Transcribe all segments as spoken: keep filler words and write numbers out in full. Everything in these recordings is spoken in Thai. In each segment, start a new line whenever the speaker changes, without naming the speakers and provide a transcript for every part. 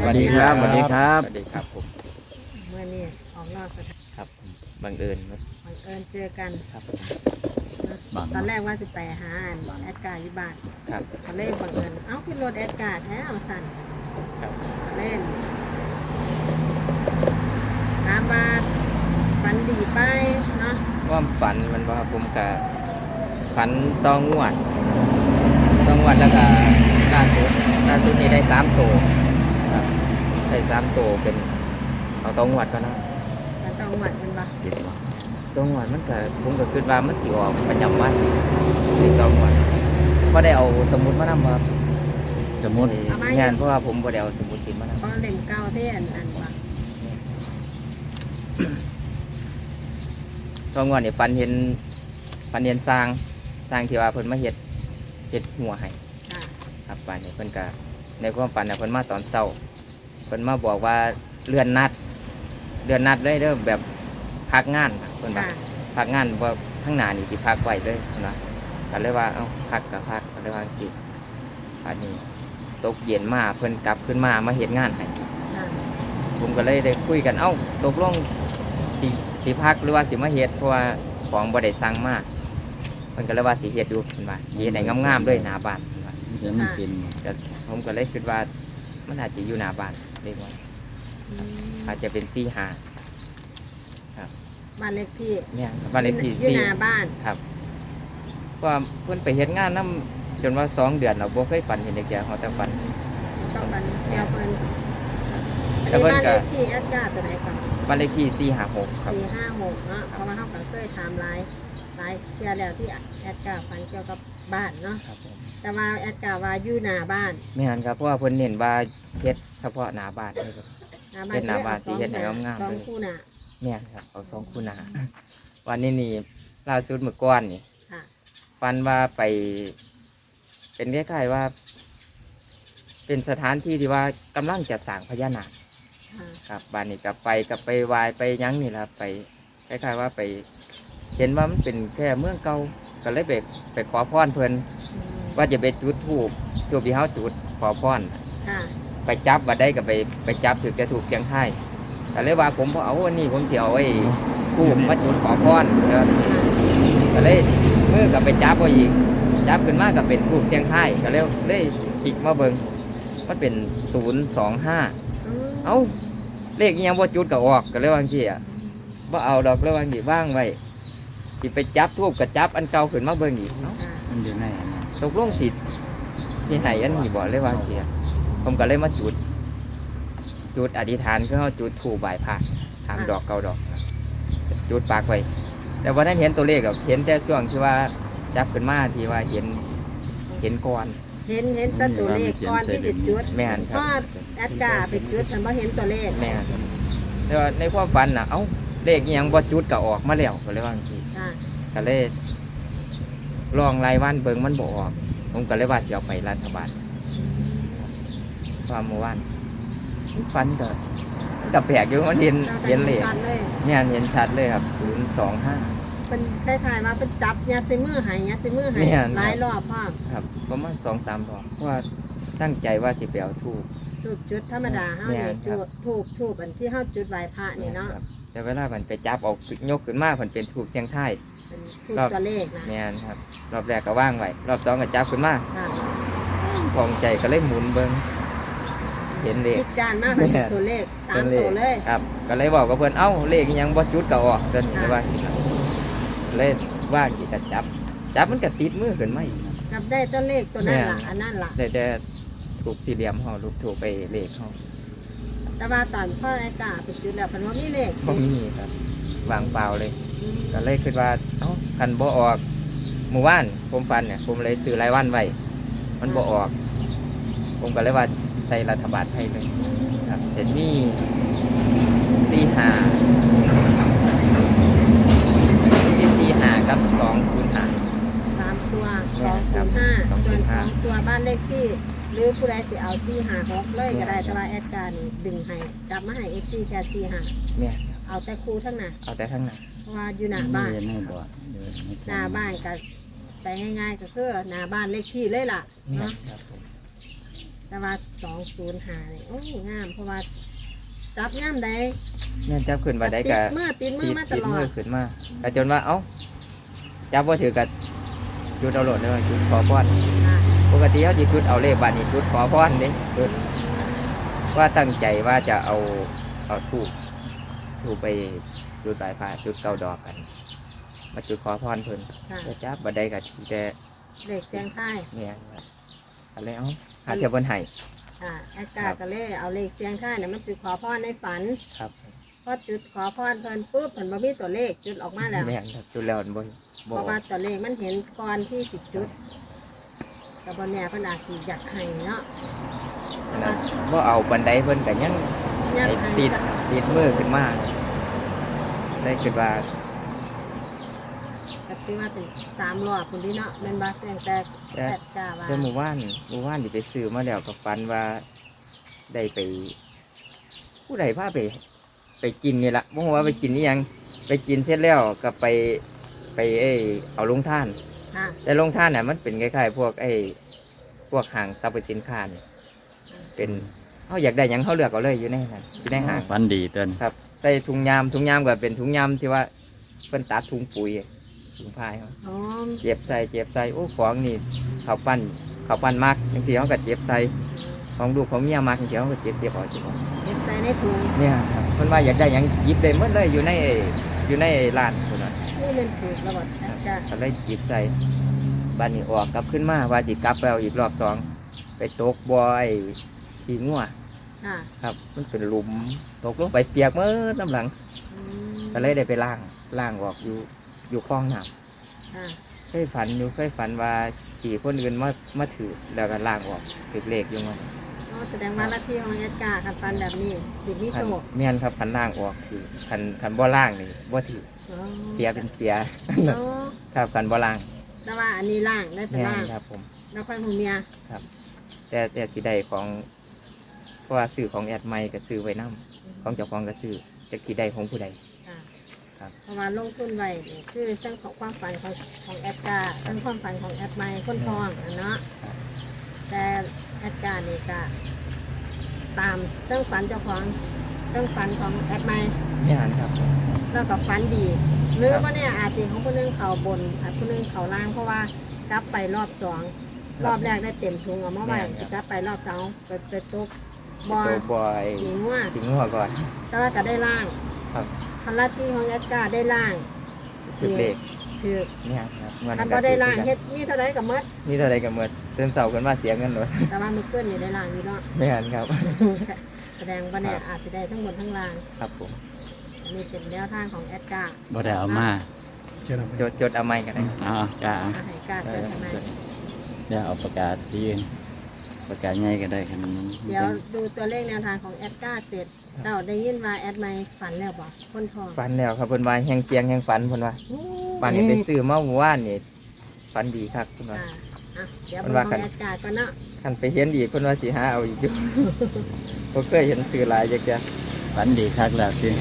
วัสดีครับสวัสดีครับสวัสดีครับผม
เมื่อนี้ออกนอกสถาน
ครับบังเอิญ
บังเอิญเจอกัน
ครับ
ตอนแรกว่าสิไปหาแอดการ์อยู่บ้าน
ครับ
ตอนแรกบังเอิญเอ้าขึ้นรถแอดการ์แท้เอาสั่น
ครับ
เล่นถามว่าฝันดีไปเนาะ
ว่าฝันมันว่าผมกับฝันต้องงวดต้องงวดแล้วก็ล่าสุดล่าสุดนี้ได้สามตัวครับได้สามตัวเป็นเอาต้องงวดก็นะ
ฝันต้องหวัดมันปะ
ต้องงวดมันก็ผมก็คิดว่ามันสิออกประจำวันเป็นต้องงวดก็ได้เอาสมุดมานำครับสมุดงานเพราะว่าผมบ่ได้เอาสมุดติดมานำ
ก็เล่มเก้าเท่อันอันปะ
ตอนก่อนเนี่ยฟันเห็นฟันเห็นสร้างสร้างที่ว่าเพิ่นมาเฮ็ดเฮ็ดหัวให้ครับฟันเนี่ยเพิ่นก็ในความฝันเนี่ยเพิ่นมาตอนเช้าเพิ่นมาบอกว่าเลื่อนนัดเลื่อนนัดเลยเด้อแบบพักงานเพิ่นว่าพักงานว่าข้างหน้านี่สิพักไว้เลยเพิ่นว่าก็เลยว่าเอ้าพักก็พักก็เลยว่าสิอันนี้ตกเย็นมาเพิ่นกลับขึ้นมามาเฮ็ดงานให้ผมก็เลยได้คุยกันเอ้าตกลงสิสิพักหรือว่าสิมาเฮ็ดเพราะว่าของบ่ได้สั่งมาเพิ่นก็เลยว่าสิเฮ็ดอยู่เพิ่นว่าเฮ็ดให้งามๆด้วยหน้าบ้านเพิ่นว่า
เดี๋ยวมันเป็น
ก็ผมก็เลยคิดว่ามันอาจจะอยู่หน้าบ้านเรียกว่าอาจจะเป็นสี่ห้าครับ
บ้านเลขที่
เนี่ยบ้านเลขที่
สี่หน้าบ้าน
ครับเพราะเพิ่นไปเฮ็ดงานนำจนว่าสองเดือนเราบ่เคยฝันเห็นเด็กแก่เฮาแต่ฝัน
ต้องฝันเดียวเพิ่นอันนี้บ้านเลขที่แอดการ์ตัวไหนก่อน
บ้านเลขที่สี่ห้าหกครับ
สี่ห้าหกเนาะเพราะว่าเฮาก็เคยถามหลายหลายเที่ยแล้วที่แอดการ์ฝันเกี่ยวกับบ้านเนาะ
ครับผม
แต่ว่าแอดการ์ว่าอยู่หน้าบ้าน
แม่นครับเพราะว่าเพิ่นเน้นว่าเฮ็ดเฉพาะหน้าบ้านเลยครับเฮ็ดหน้าบ้านสิเฮ็ดให้งามๆ
สอ
เลย
งคู่หน้า
แม่นครับเอาสองคู่หน้าวันนี้นี่ล่าสุดเมื่อก่อนนี่
ค่ะ
ฝันว่าไปเป็นคล้ายๆว่าเป็นสถานที่ที่ว่ากำลังจะสร้างพญานาคครับบ้านนี้กับไปกับไปวายไปยั้งนี่แหละไปคล้ายๆว่าไปเห็นว่ามันเป็นแค่เมืองเก่าก็เลยไปไปขอพรเพิ่นว่าจะไปจุดธูปจุดที่เฮาจุดขอพรไปจับว่าได้ก็ไปไปจับถือจะถูกเสียงไทยก็เลยว่าผมบ่เอาวันนี้ผมสิเอาไอ้ธูปมาจุดขอพรก็เลยมือก็ไปจับเอาอีกจับขึ้นมาก็เป็นธูปเสียงไทยก็เลยเลยคลิกมาเบิ่งมันเป็นศูนย์สองห้าเอ้าเลขยังบ่จุดก็ออกก็เลยว่าจังซี่อ่ะบ่เอาดอกเลยว่าจังซี่ว่างไว้สิไปจับทูบก็จับอันเก่าขึ้นมาเบิ่งอีกเนาะ
มันอยู่ใน
ตกลงสิสิให้อันนี้บ่เลยว่าจังซี่ผมก็เลยมาจุดจุดอธิษฐานคือเฮาจุดธูปไหว้พระสามดอกเก้าดอกจุดปากไว้แต่ว่านั้นเห็นตัวเลขก็เห็นแต่ช่วงที่ว่าจับขึ้นมาที่ว่าเห็นเห็นก่อน
เห็นเห็นแต่ตัวเลขก่อนที่จะจุด
แม่นครับ
ก็แอดการ์ไปจุดแต่ว่าเห็นตัวเลข
แม่นแต่ว่าในความฝันน่ะเอ้าเลขยังบ่จุดก็ออกมาแล้วก็เลยว่าจังซี่ก็เลยลองรายวันเบิ่งมันบ่ออกผมก็เลยว่าสิเอาไปรัฐบาลความเมื่อวานฝันก็ก็แปลกอยู่มันเห็นเห็นเลขเนี่ยเห็นชัดเลยครับศูนย์สองห้า
เป็นคล้ายๆว่าเป็นจับยัดใส่มือหายยัดใส่มือหายหลายรอบพ่อ
ครับประมาณสองสามรอบเพราะว่าตั้งใจว่าสิไปเอาทูบ
ทูบจุดธรรมดาเฮาเนี่ยจุดทูบทูบอันที่เฮาจุดไหว้พระนี่เนาะ
แต่เวลามันไปจับออกยกขึ้นมามันเป็นทูบเชียงไทย
รอบตัวเลขนะ
เนี่ยครับรอบแรกก็ว่างไว้รอบสองก็จับขึ้นมาพองใจก็เลยหมุนเบิ่งเห็นเลข
จานมากเป็นตัวเลขสามตัวเลย
ครับก็เลยบอกกับเพื่อนเอ้าเลขยังบ่จุดก็ออกเดินเลยว่าเล่นว่ากี่จะจับจับมันก็ติดมือขึ้นมาอีก
จับได้ตัวเลขตัวนั้นล่ะอันนั้นล่ะ
ได้แต่ถูกสี่เหลี่ยมห่อลูกถูกไปเลขห่อ
แต่ว่าตอนพ่อไอ้กาไปจุดแล้วพันว่ามีเลข
บ่มีครับวางเปล่าเลยก็เลยคิดว่าเอ้าคันบ่ออกหมู่บ้านผมฟันเนี่ยผมเลยซื้อรายวันไว้มันบ่ออกผมก็เลยว่าใส่รัฐบาลให้เลยครับเห็นมีสี่ห้าที่สี่ห้ากับสองศูนย์ห้า
สามตัวสองศูนย์ห้าส่วนสองตัวบ้านเลขที่หรือผู้ใดสิเอาสี่ห้าหกเลยก็ได้แต่ว่าแอดการ์นี่ดึงให้จับมาให้เอฟซีแค่สี่ห้า
เนี่ย
เอาแต่ครูทั้งนั้น
เอาแต่ทั้งนั้น
เพราะว่าอยู่หน้าบ้านหน้าบ้านก็ไปง่ายๆก็คือหน้าบ้านเลขที่เลยล่ะเนาะแต่ว่าสองศูนย์หาเนี่ยโอ้งามเพราะว่าจับย่ามใด
แม่นจับขึ้นมาได้
ติ
ก็
ดมือติดมือ
ติด
มาต
ติด
ลอ
มือ
ด
ขึ้นมาก็จนว่าเอ้าจับบ่ถือกับจุดเอาโหลดเลยจุดขอพร
ค่ะ
ปกติเขาจะจุดเอาเลขบานนี้จุดขอพรเด้จุดว่าตั้งใจว่าจะเอาเอาทูบทูบไปจุดปลายผ้าจุดเก้าดอกกัน มาจุดขอพรเพิ่น
ค่ะ
ก็จับบ่ได้ก็ถือแต่
เด็กเสียงไทาย
เนี่ยครับอะไรเอ้าหาเทียบบนไห้
ค่ะแอดการ์ก็เลยเอาเลขเสียงไทายเนี่ยมันจุดขอพรในฝัน
ครับ
พอจุดขอพรเพิ่นปุ๊บเพิ่นบ่มีตัวเลขจุดออกมาแล้ว
แม่นครับจุดแล้วมันบ่
เพ
บ่
ราะว่าตัวเลขมันเห็นก่อนที่สิจุดแต่บนแน่เพิ่นอาจสิอยากให้เนาะ
อันนั้นบ่เอาบันไดเพิ่นก็ยัง
อยาก
ไอ้
ให้
ติดติดมือขึ้นมาได้คิดว่า
ก็ถือว่าเป็นสามรอบพุ่นที่เนาะแม่นบ่ตั้งแต่แอดการ์ว่า
แต่หมู่บ้านหมู่บ้านที่ไปซื้อมาแล้วก็ฝันว่าได้ไป ผู้ใดพาไป ไปกินนี่ละบ่ฮู้ว่าไปกินนี่ยังไปกินเสร็จแล้วก็ไปไปเอ้ยเอาลงท่าน
ค่ะ
แต่ลงท่านน่ะมันเป็นคล้ายๆพวกไอ้พวกห้างสรรพสินค้านี่เป็นเฮาอยากได้หยังเฮาเลือกเอาเลยอยู่ในนั้นอยู่ในห้าง
ฟันดีเตือน
ครับใส่ถุงยามถุงยามก็เป็นถุงยามที่ว่าเพิ่นตัดถุงปุ๋ยถุงพายเขา
อ๋อ
เจ็บใส่เจ็บใส่โอ้ของนี่เขาวปั้นเขาวปั้นมากจังซี่เขาก็เจ็บใส่ของลูกของเมียมากจังซี่เขาก็เจ็บเจ็บออกเจ็บออก
เก็บใส่ในถุง
เนี่ยครับเพิ่นว่าอยากได้หยังหยิบได้หมดเลยอยู่ในอยู่ในร้านพุ่นน่ะ
นี่มันถูกระบบแอดการ์
ก็เลยหยิบใส่บ้านนี้ออกกลับขึ้นมาว่าสิกลับไปเอาอีกรอบสองไปตกบ่อยขี้งัว
ค่ะ
ครับ มันเป็นหลุมตกลงไปเปียกเมื่อน้ำหลัง
อืม
ก็เลยได้ไปล้างล้างออกอยู่อยู่คลองน้
ค่ะ
ำเคยฝันอยู่เคยฝันว่าขี่คนอื่นมามาถือแล้วก็ล้างออกถือเลขอยู่มัน
อ๋อแสดงว่าลัทธิของแอดการ์คันฟันแบบนี้สิมี
คั
โช
น
ค
แม่นครับคันล้างออกถือคันคันบ่ล้างนี่บ่ถือ
อ๋อ
เสียเป็นเสีย
อ๋อ
ครับคันบ่ล้าง
แต่ว่าอันนี้ล่างได้เป็น
แม่
ล่าง
นครับผม
แล้วค่อยหูเมีย
แต่แต่สีใดของเพราะว่าซื้อของแอดไม่ก็ซื้อไว้นํของเจ้าของก็ซื้อจะกี่ใดของผู้ใด
ค่ะ
ครับ
เพราะว่าลงทุนไว้นี่คือทั้งของความฝันของของแอดการ์ทั้งความฝันของแอดไมค์คนทองอะเนาะ
ครับ
แต่แอดการ์นี่ก็ตามเรื่องฝันเจ้าของเรื่องฝันของแอดไมค์
นี่นครับ
แล้วก็ฝันดี หรือว่าเนี่ยอาจจะของคนหนึงเขาบนอาจคนหนึงเขาล่างเพราะว่ากลับไปรอบสองรอบแรกได้เต็มถุงเอามาไว้สิกลับไปรอบสองไปไปตกบอล
ตัวบอย
หิงว่า
ทิ้งหัวก่อน
แต่ว่าก็ได้ล่าง
ครับ
คันลัทธิของแอดการ์ได้ล่าง
ถือเลข
ถือ
เนี่ยครับเงิน
คัน
ก็
บ่ได้ล่าง
ถือ
เฮ็ดมีเท่าไรกับมด
นี่เท่าไรกันเมื่อเตือนเสากันว่าเสียเงินหมด
แต่ว่ามือขึ้นนี่ได้ล่างอยู่เนาะ
ไม่หันครับ
แสดงว่าเนี่ยอาจจะได้ทั้งบนทั้งล่าง
ครับผม
อันนี้เป็นแนวทางของแอดการ์
บ่ได้เอามา
จดจดเอาไม้กันได้
เอ๋อจ้า
อาให้การ์ดเจอทำไม
จด
เดี๋ยวเอาประกาศที่อื่นประกาศใหญ่ก็ได้ครับมัน
เดี๋ยวดูตัวเลขแนวทางของแอดการ์เสร็จเราได้ยินว่าแอดไม่ฝันแล้วบอกคนทอง
ฝันแล้วครับเพิ่นว่าแหงเสียงแหงฝันเพิ่นว่า
โอ้
บ้านนี้ไปซื้อมาหมู่บ้านนี่ฝันดีครับเพิ่นว่า
อ่าอ่ะเดี๋ยว
มัน
เบิ่ง
ว่า
ข
กั
อน งแอดการ์ก่อนเนาะ
คันไปเห็นอีกเพิ่นว่าสิหาเอาอีกอยู่ บ่เคยเห็นซื้อหลายจักเทื่อ
ฝันดีคักแล้วที่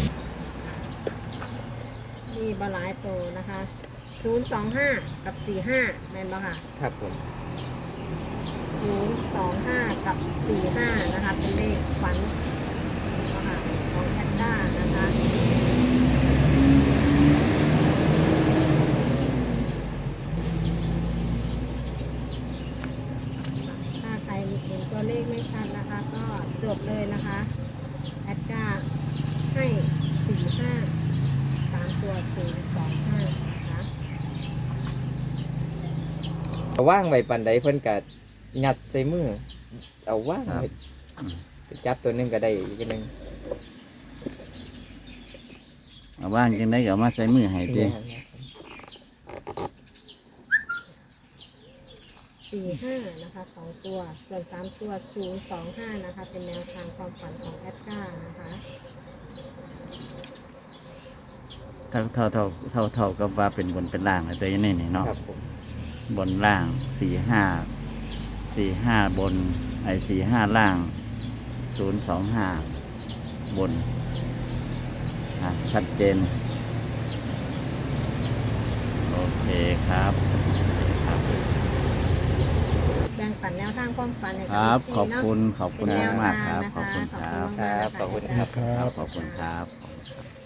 มีบาหลายโตวนะคะศูนย์สองห้ากับสี่ห้าแม่นบ่ค่ะ
ครับผม
ศูนย์สองห้ากับสี่ห้านะคะเป็นเลขฝันนะคะของแอดการ์นะคะถ้าใครเห็นตัวเลขไม่ชัดนะคะ ก็จดเลยนะคะแอดการ์ให้สี่ห้าสามตัวศูนย์สองห้านะคะ
เอาว่างไว้ปันใดเพิ่นก็ยัดใส่มือเอาว่างไว้จับตัวหนึงก็ได้อีกอันหนึง
เอาว่างจังได้ก็เอามาใส่มือให้ติ
สี่ห้านะคะสองตัวส่วนสามตัวศูนย์สองห้านะคะ เป็นแนวทางความฝันของแอดการ์นะคะ
เท่าเท่าเท่าเท่าเท่ากับว่าเป็นบนเป็นล่างเลยตัวอยังนี่นี่เนาะ
ครับผม
บนล่างสี่ห้าสี่ห้าบนไอ้สี่ห้าล่างศูนย์สองห้าบนอ่ะชัดเจน โอเคครับครับ
แบ่งปันแนวทางความฝันให้
ค
กับ
รับ
เอฟซี
ขอบ
เนาะ
คุณขอบคุณ
เป็นแนว
มาก
ทาง
ครับ
นะคะ
ขอบคุณครับ
ขอบคุณมากๆ
ครับขอบคุณ
นะะ
ครับขอบคุณครับ